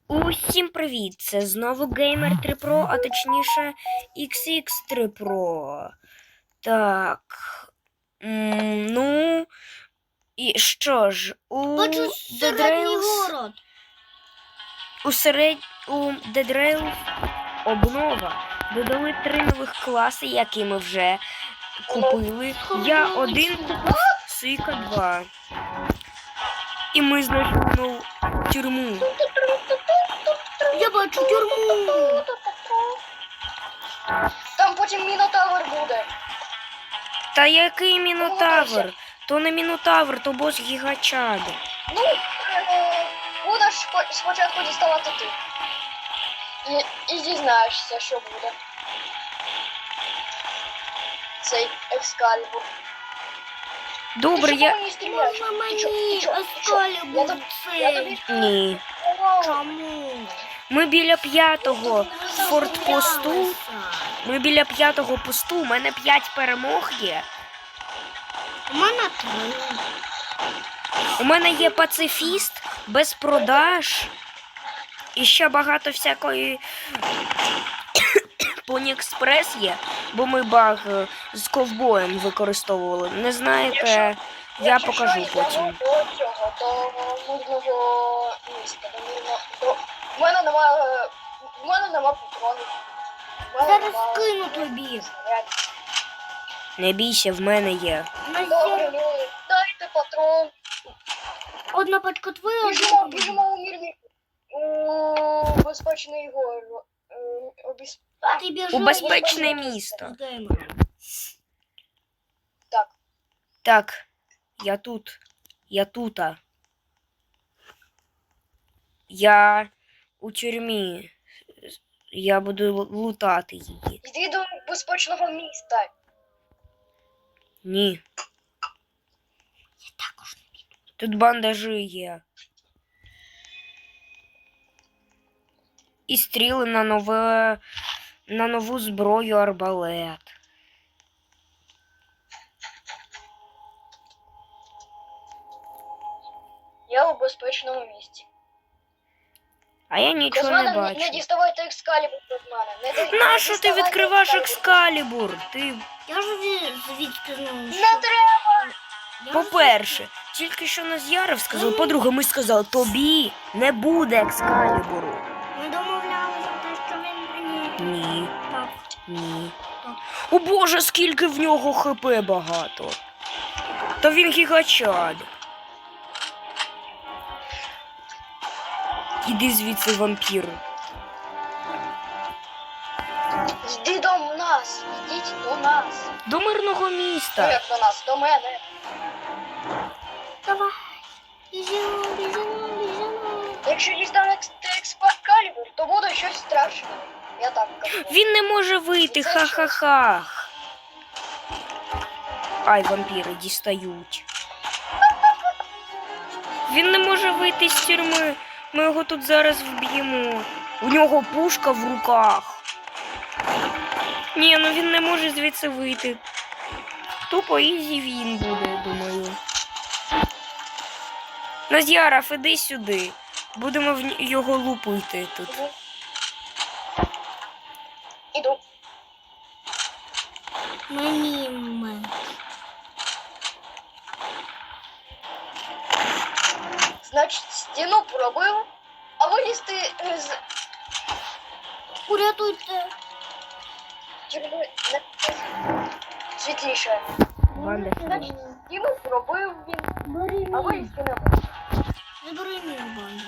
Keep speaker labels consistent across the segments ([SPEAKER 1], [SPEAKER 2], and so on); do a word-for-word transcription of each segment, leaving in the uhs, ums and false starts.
[SPEAKER 1] Усім привіт! Це знову Gamer три Pro, а точніше ікс ікс три Pro. Так. М, ну. І що ж, у
[SPEAKER 2] Бачу середній город.
[SPEAKER 1] У серед... у Dead Rails обнова. Додали три нових класи, які ми вже купили. Я один купив, Сика два. І ми знайшли нову тюрму.
[SPEAKER 2] Я бачу тюрму.
[SPEAKER 3] Там потім мінотавр буде.
[SPEAKER 1] Та який мінотавр? То не мінотавр, то бос гігачад.
[SPEAKER 3] Ну, е, будеш спо- спочатку діставати ти. І, і дізнаєшся, що буде. Цей екскалібур.
[SPEAKER 1] Добре,
[SPEAKER 3] Ти чому
[SPEAKER 1] я...
[SPEAKER 3] мені стріляєш?
[SPEAKER 2] Можна
[SPEAKER 3] Ти чо-
[SPEAKER 2] мені
[SPEAKER 3] ти чо- ти чо?
[SPEAKER 2] Ескалібур
[SPEAKER 3] Я тобі- я
[SPEAKER 2] цей?
[SPEAKER 3] тобі-
[SPEAKER 1] Ні.
[SPEAKER 2] Чому?
[SPEAKER 1] Ми біля п'ятого фортпосту. Ми біля п'ятого посту. У мене п'ять перемог є.
[SPEAKER 2] У мене три.
[SPEAKER 1] У мене є пацифіст без продаж. І ще багато всякої Понікспрес є, бо ми баг е, з ковбоєм використовували. Не знаєте, я
[SPEAKER 3] Якщо
[SPEAKER 1] покажу
[SPEAKER 3] йдемо
[SPEAKER 1] потім.
[SPEAKER 3] до цього, до мирного міста, до мирного... До... В мене немає... В мене нема патронів. В мене
[SPEAKER 2] Зараз
[SPEAKER 3] нема-
[SPEAKER 2] кину тобі.
[SPEAKER 3] снарядів.
[SPEAKER 1] Не бійся, в мене є.
[SPEAKER 2] На
[SPEAKER 3] Добре,
[SPEAKER 2] є
[SPEAKER 3] ну, дайте патрон.
[SPEAKER 2] одна пачка твоя,
[SPEAKER 3] Біжимо,
[SPEAKER 2] одна
[SPEAKER 3] біжимо у мирний... У безпечний гор. Е, у без- А,
[SPEAKER 2] Ти біжи.
[SPEAKER 1] У безпечне місто.
[SPEAKER 2] з геймером.
[SPEAKER 3] Так.
[SPEAKER 1] Так, я тут. Я тута. Я у тюрмі. Я буду л- лутати її.
[SPEAKER 3] Йди до безпечного міста.
[SPEAKER 1] Ні.
[SPEAKER 2] Я також.
[SPEAKER 1] Тут бандажі є. І стріли на нове, на нову зброю арбалет.
[SPEAKER 3] Я у безпечному місці.
[SPEAKER 1] А я
[SPEAKER 3] Без
[SPEAKER 1] нічого
[SPEAKER 3] мене
[SPEAKER 1] не
[SPEAKER 3] не, не
[SPEAKER 1] бачу.
[SPEAKER 3] діставайте екскалібур від мене. Не, дай- не
[SPEAKER 1] Нащо ти
[SPEAKER 3] діставайте
[SPEAKER 1] відкриваєш
[SPEAKER 3] екскалібур.
[SPEAKER 1] екскалібур? Ти,
[SPEAKER 2] Я ж зві- звідки знаю,
[SPEAKER 3] Не
[SPEAKER 2] що...
[SPEAKER 3] треба!
[SPEAKER 2] Я
[SPEAKER 1] по-перше, тільки що Наз'яров сказав, по-друге, ми сказали, тобі не буде екскалібуру.
[SPEAKER 2] Ми домовлялися те, що він мені...
[SPEAKER 1] Ні,
[SPEAKER 2] Так.
[SPEAKER 1] ні.
[SPEAKER 2] Так.
[SPEAKER 1] О боже, скільки в нього хп багато. Та він гігачад. Іди звідси, вампір.
[SPEAKER 3] Йди до нас! Йдіть до нас!
[SPEAKER 1] До мирного
[SPEAKER 3] Ну
[SPEAKER 1] міста.
[SPEAKER 3] як до нас, до мене.
[SPEAKER 2] Давай. Біжимо, біжимо, біжимо.
[SPEAKER 3] Якщо дістану екскалібур, то буде щось страшне. Я так кажу.
[SPEAKER 1] Він не може вийти, ха-ха-ха. Ай, вампіри дістають. Він не може вийти з тюрми. Ми його тут зараз вб'ємо. У нього пушка в руках. Ні, ну він не може звідси вийти. Тупо ізі він буде, думаю. Наз'яров, іди сюди. Будемо в ні- його лупити тут.
[SPEAKER 3] Іду. Іду.
[SPEAKER 2] Мені ми.
[SPEAKER 3] Значить, стіну пробив, а вилізти з
[SPEAKER 2] Урятуйте.
[SPEAKER 3] тюрми не світліше.
[SPEAKER 1] Банда
[SPEAKER 3] Значить, стіну пробив він,
[SPEAKER 2] Бери
[SPEAKER 3] а
[SPEAKER 2] мій.
[SPEAKER 3] вилізти не може.
[SPEAKER 2] Забери мій бандаж.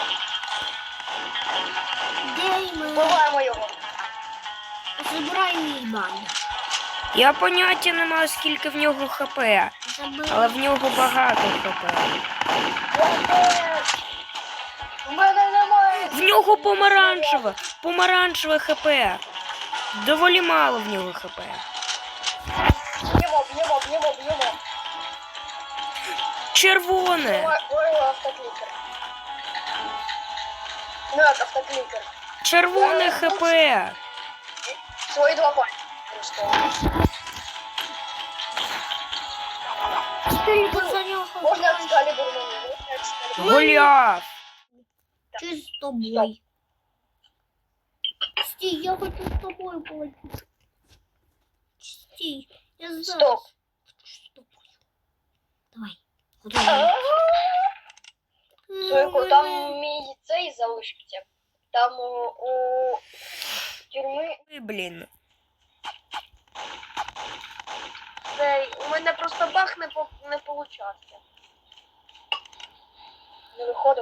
[SPEAKER 2] Геймер.
[SPEAKER 3] Вбиваємо його.
[SPEAKER 2] Забирай мій бандаж.
[SPEAKER 1] Я поняття не маю, скільки в нього хп.
[SPEAKER 2] Забери.
[SPEAKER 1] Але в нього багато хп.
[SPEAKER 3] Я теж. У мене немає.
[SPEAKER 1] В нього помаранчеве, помаранчеве хп. Доволі мало в нього хп.
[SPEAKER 3] Б'ємо, б'ємо, б'ємо, б'ємо.
[SPEAKER 1] Червоне.
[SPEAKER 3] Ой, автоклікер. Ну як автоклікер.
[SPEAKER 1] Червоне хп.
[SPEAKER 3] Свої два пальці. Просто.
[SPEAKER 2] Тільки за нього.
[SPEAKER 3] Можна екскалібур мені? Можна екскалібур?
[SPEAKER 1] Голіаф.
[SPEAKER 2] Чи з тобою? Стій, я хочу з тобою полетіти. Стій, я зараз.
[SPEAKER 3] Стоп.
[SPEAKER 2] З тобою. Давай. Готовий.
[SPEAKER 3] Слухай, там мій цей залишиться. Там у, у тюрми
[SPEAKER 1] Ой, блін.
[SPEAKER 3] цей. У мене просто бах не, по, не получався. Не виходив.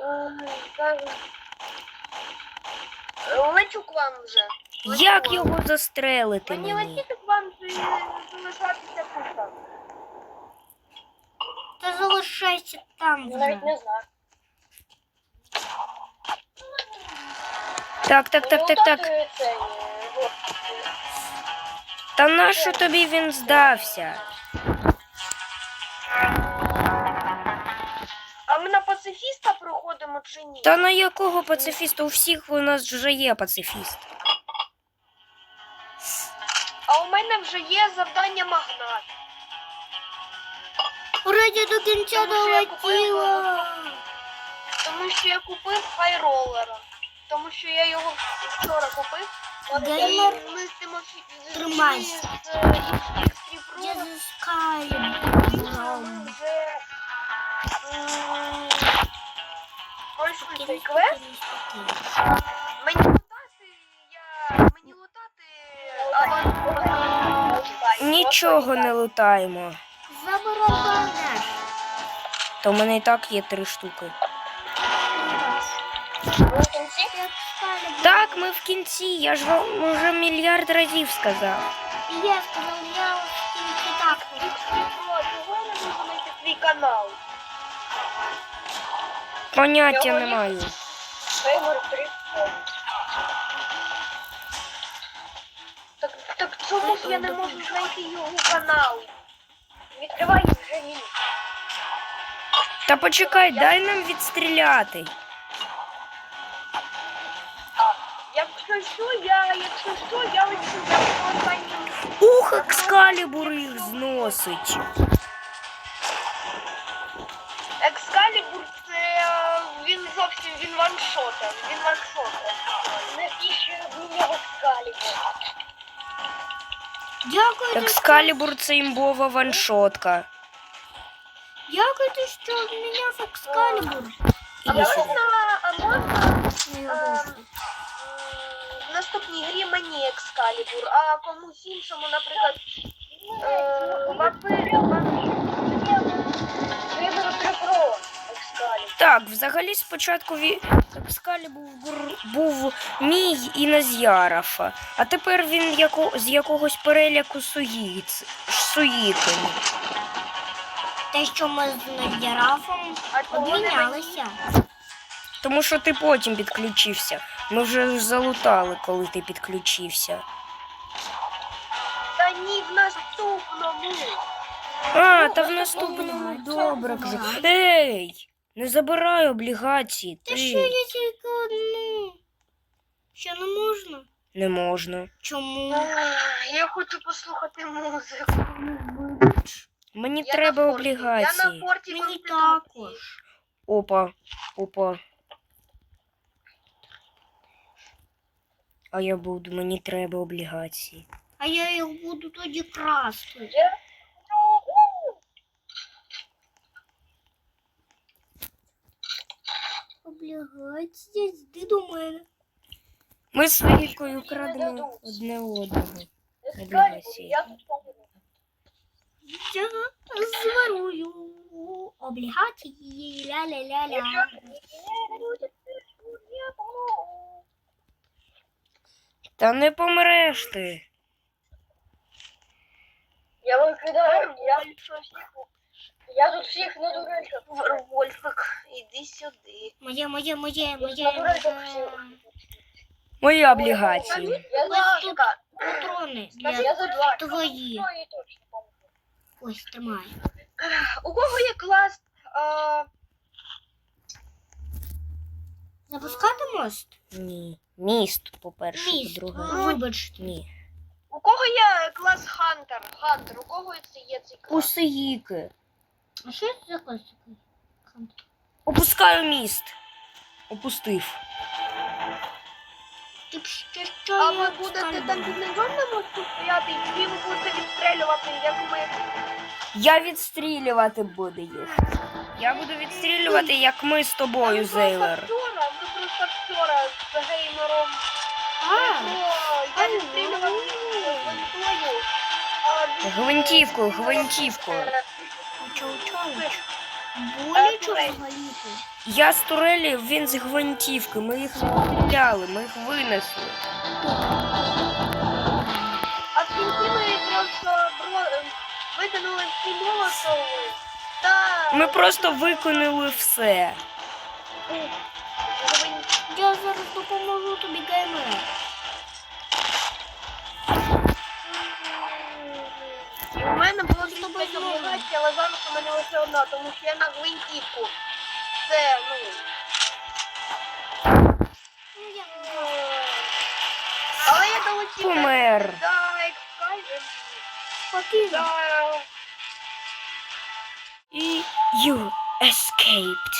[SPEAKER 3] Лечу к вам вже. Лечу
[SPEAKER 1] Як
[SPEAKER 3] вам.
[SPEAKER 1] його застрелити
[SPEAKER 3] Мені
[SPEAKER 1] мені?
[SPEAKER 3] летіти к вам чи залишатися тут? там?
[SPEAKER 2] Та залишайся там
[SPEAKER 3] Я навіть
[SPEAKER 2] вже.
[SPEAKER 3] не знаю.
[SPEAKER 1] Так, так, так, так, так.
[SPEAKER 3] Лутати цей, е, от,
[SPEAKER 1] Та нащо тобі він здався?
[SPEAKER 3] А ми на пацифіста проходимо чи ні?
[SPEAKER 1] Та на якого пацифіста? У всіх у нас вже є пацифіст.
[SPEAKER 3] А у мене вже є завдання магнат.
[SPEAKER 2] Вроді до кінця
[SPEAKER 3] Тому що я купила.
[SPEAKER 2] долетіла.
[SPEAKER 3] Тому що я купив файролера. Тому що я його вчора купив.
[SPEAKER 2] Геймер,
[SPEAKER 3] І ми з Тимофі... з-
[SPEAKER 2] тримайся.
[SPEAKER 3] з- з- Ікс три
[SPEAKER 2] Я
[SPEAKER 3] Pro
[SPEAKER 2] заскаю.
[SPEAKER 3] ми вже м, пройшли цей квест. Мені лутати, я... Мені лутати аванс.
[SPEAKER 1] Нічого не лутаємо.
[SPEAKER 2] Забарабаниш.
[SPEAKER 1] То в мене і так є три штуки.
[SPEAKER 3] Ви в кінці?
[SPEAKER 1] Так, ми в кінці, я ж вам вже мільярд разів сказав.
[SPEAKER 2] І я сказав, я в кінці так.
[SPEAKER 3] Ікс три Pro, чого не можу знайти твій канал?
[SPEAKER 1] Поняття
[SPEAKER 3] Його
[SPEAKER 1] не
[SPEAKER 3] є?
[SPEAKER 1] маю.
[SPEAKER 3] Фейвор три Pro. Так, так чому ж я не можу знайти його канал? Відкривай вже він.
[SPEAKER 1] Та почекай, дай нам відстріляти.
[SPEAKER 3] Якщо що, я, якщо що, я лечу, я по останньому.
[SPEAKER 1] Ух, екскалібур їх зносить.
[SPEAKER 3] Екскалібур це е, він зовсім він ваншота. Він ваншота. Навіщо мені екскалібур?
[SPEAKER 2] Дякую,
[SPEAKER 1] Екскалібур це імбова ваншотка.
[SPEAKER 2] дякую, що обміняв екскалібур.
[SPEAKER 3] А
[SPEAKER 1] Іди сюди.
[SPEAKER 3] можна, а можна
[SPEAKER 2] Не
[SPEAKER 3] Ем,
[SPEAKER 2] оголошую.
[SPEAKER 3] м, в наступній грі мені екскалібур, а комусь іншому, наприклад, е, вампир, Виберу три Pro екскалібур.
[SPEAKER 1] Так, взагалі спочатку ві- екскалібур був мій і Назярафа, а тепер він яко... з якогось переляку суїц... суїтиме.
[SPEAKER 2] Те, що ми з Надярафом
[SPEAKER 3] А чого не мені?
[SPEAKER 2] обмінялися.
[SPEAKER 1] Тому що ти потім підключився. Ми вже залутали, коли ти підключився.
[SPEAKER 3] Та ні, в наступному.
[SPEAKER 1] А, та в наступному добре. кажу. Ей! Не забирай облігації.
[SPEAKER 2] Та
[SPEAKER 1] Ти.
[SPEAKER 2] що я тільки одну? Що не можна?
[SPEAKER 1] Не можна.
[SPEAKER 2] Чому?
[SPEAKER 3] Ах, Я хочу послухати музику.
[SPEAKER 1] Мені
[SPEAKER 3] Я
[SPEAKER 1] треба
[SPEAKER 3] на форті. Я
[SPEAKER 1] облігації.
[SPEAKER 3] на форті
[SPEAKER 2] Мені
[SPEAKER 3] Конституції.
[SPEAKER 2] також.
[SPEAKER 1] Опа, опа. А я буду, мені треба облігації.
[SPEAKER 2] А я їх буду тоді красти.
[SPEAKER 3] Я-
[SPEAKER 2] Облігація, йди до мене.
[SPEAKER 1] Ми з Вікою крадемо одне одного. Облігації.
[SPEAKER 3] Я тут помру.
[SPEAKER 2] Я зворую облігації, ля-ля-ля-ля.
[SPEAKER 1] Та не помреш ти.
[SPEAKER 3] Я викидаю, я, я тут всіх на дурачок. Вольфик, іди сюди.
[SPEAKER 2] Моє, моє, моє,
[SPEAKER 3] На
[SPEAKER 2] моє,
[SPEAKER 3] дурачок
[SPEAKER 2] моє.
[SPEAKER 3] всіх.
[SPEAKER 1] Мої облігації.
[SPEAKER 3] Я ласка.
[SPEAKER 2] Патрони
[SPEAKER 3] Я
[SPEAKER 2] для
[SPEAKER 3] за два.
[SPEAKER 2] твої.
[SPEAKER 3] Твої точно помру.
[SPEAKER 2] Ось, тримай.
[SPEAKER 3] У кого є клас? А,
[SPEAKER 2] Запускати мост?
[SPEAKER 1] Ні. Міст, по-перше,
[SPEAKER 2] Міст.
[SPEAKER 1] по-друге.
[SPEAKER 2] Вибачте.
[SPEAKER 1] Ні.
[SPEAKER 3] у кого є клас Хантер? Хантер, у кого це є цей клас?
[SPEAKER 1] Усиїки.
[SPEAKER 2] А що це за клас такий?
[SPEAKER 1] Опускаю міст. Опустив.
[SPEAKER 2] І ще що
[SPEAKER 3] А
[SPEAKER 2] я
[SPEAKER 3] ви будете
[SPEAKER 2] скальбую.
[SPEAKER 3] там під низом на мосту стояти, і ви будете відстрелювати, як ми.
[SPEAKER 1] Я відстрілювати буду їх. Я буду відстрілювати, як ми з тобою,
[SPEAKER 3] Ми
[SPEAKER 1] Зейлер.
[SPEAKER 3] просто вчора, ми просто вчора з геймером.
[SPEAKER 2] А,
[SPEAKER 3] О, я відстрілював гвинтою. а він-
[SPEAKER 1] Гвинтівкою, гвинтівкою.
[SPEAKER 3] Е,
[SPEAKER 2] чау-чауч.
[SPEAKER 3] Е,
[SPEAKER 2] Боляче
[SPEAKER 3] турель.
[SPEAKER 2] взагалі-то.
[SPEAKER 1] Я з турелі, він з гвинтівки. Ми їх відстріляли, ми їх винесли.
[SPEAKER 3] А в кінці ми просто бро- викинули всі молотови. Та
[SPEAKER 1] Ми просто виконали все.
[SPEAKER 3] гвин-
[SPEAKER 2] Я зараз допоможу тобі, геймер.
[SPEAKER 3] І у мене було
[SPEAKER 2] З тобою
[SPEAKER 3] двадцять
[SPEAKER 2] зможемо.
[SPEAKER 3] облігацій, але зараз у мене лише одна, тому що я на гвинтівку. Це, ну...
[SPEAKER 2] Ну, я
[SPEAKER 3] Але я долетів
[SPEAKER 1] Помер.
[SPEAKER 3] до Ексайзер.
[SPEAKER 2] спокійно.
[SPEAKER 3] Да.
[SPEAKER 1] І you escaped.